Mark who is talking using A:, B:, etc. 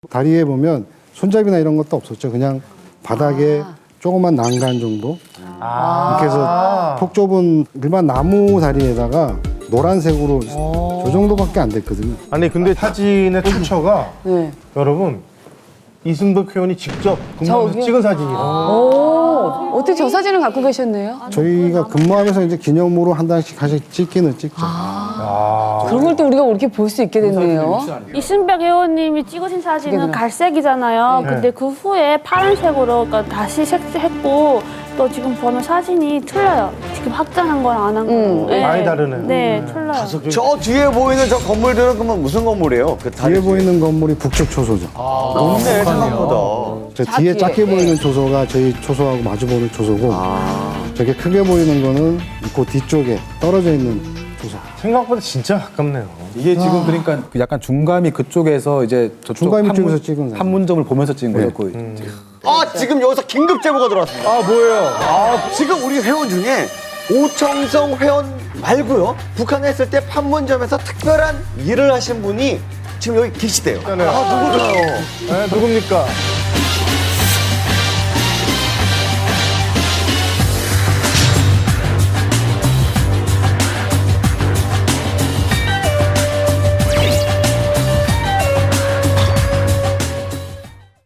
A: 다리에 보면 손잡이나 이런 것도 없었죠. 그냥 바닥에 조그만 난간 정도. 이렇게 해서 폭 좁은 일반 나무 다리에다가 노란색으로 저 정도밖에 안 됐거든요.
B: 아니 근데 사진의 출처가
C: 네.
B: 여러분 이승덕 회원이 직접 근무하면서
C: 저기요?
B: 찍은 사진이에요.
C: 오, 어떻게 저 사진을 갖고 계셨네요?
A: 저희가 근무하면서 이제 기념으로 한 단씩 하씩 찍기는 찍죠.
C: 그런 걸 또 우리가 이렇게 볼 수 있게 됐네요.
D: 이승백 회원님이 찍으신 사진은 갈색이잖아요. 근데 그 후에 파란색으로 그러니까 다시 색했고 또 지금 보면 사진이 틀려요. 지금 확장한 거랑 안 한 거랑. 네.
B: 많이 다르네.
D: 네, 틀려요.
E: 저 뒤에 보이는 저 건물들은 그러면 무슨 건물이에요? 그 다리
A: 뒤에 보이는 건물이 북측 초소죠.
E: 높네 생각보다.
A: 저 뒤에 작게 보이는 초소가 저희 초소하고 마주보는 초소고 저게 크게 보이는 거는 그 뒤쪽에 떨어져 있는 초소.
B: 생각보다 진짜 가깝네요.
F: 이게 지금 그러니까 그 약간 중감이 그쪽에서 이제 저쪽
A: 중감이 쪽에서 찍은 사진.
F: 판문점을 보면서 찍은 거예요. 거의.
E: 지금 여기서 긴급 제보가 들어왔습니다.
B: 뭐예요?
E: 지금 우리 회원 중에 오청성 회원 말고요. 북한에 있을 때 판문점에서 특별한 일을 하신 분이 지금 여기 계시대요.
B: 누구죠? 네, 누굽니까?